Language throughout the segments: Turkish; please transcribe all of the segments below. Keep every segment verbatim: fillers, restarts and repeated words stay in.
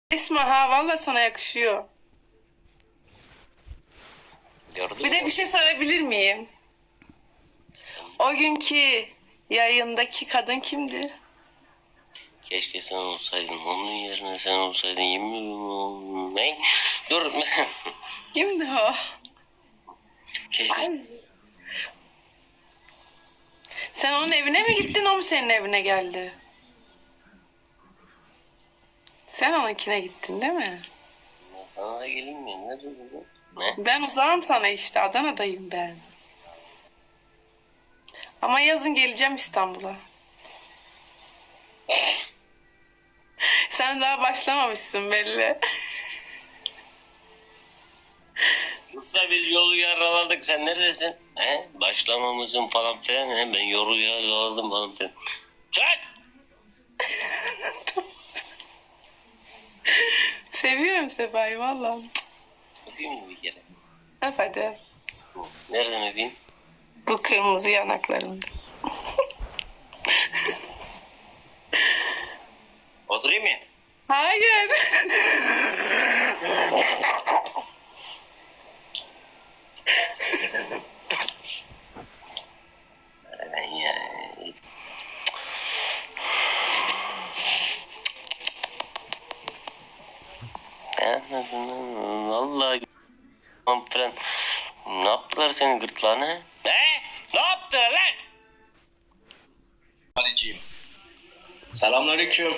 İsmail ha valla sana yakışıyor. Gördün Bir de mü? bir şey söyleyebilir miyim? O günkü yayındaki kadın kimdi? Keşke sen olsaydın. Onun yerine sen olsaydın. Yemin ederim. Ne? Dur. Kimdi o? Keşke. Sen onun evine mi gittin, o mu senin evine geldi? Sen onunkine gittin değil mi? Sana da geleyim mi? Neredesin? Ne? Ben uzağım sana işte, Adana'dayım ben. Ama yazın geleceğim İstanbul'a. Sen daha başlamamışsın belli. Kısa bir yolu yaraladık. Sen neredesin? He? Başlamamızın falan filan. He? Ben yolu yaraladım falan filan. Çak! Seviyorum Sefa'yı valla. Öpeyim mi bir kere? Öp hadi. Nereden öpeyim? Bu kırmızı yanaklarında. Oturayım mı? Hayır. Ben ya. Vallahi falan. Ne yaptılar senin gırtlağına? Ne? Ne yaptılar lan? Haliciyim. Selamünaleyküm.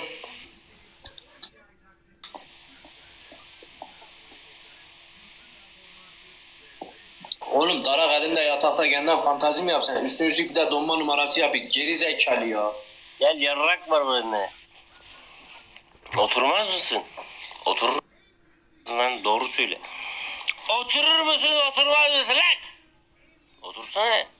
Oğlum darak elinde yatakta kendinden fantazi mi yapsan? Üstüne üstlük bir de donma numarası yapayım. Geri zekalı ya. Gel yarrak var benimle. Oturmaz mısın? Oturur lan, doğru söyle. Oturur musun, oturmaz mısın lan? Otursana.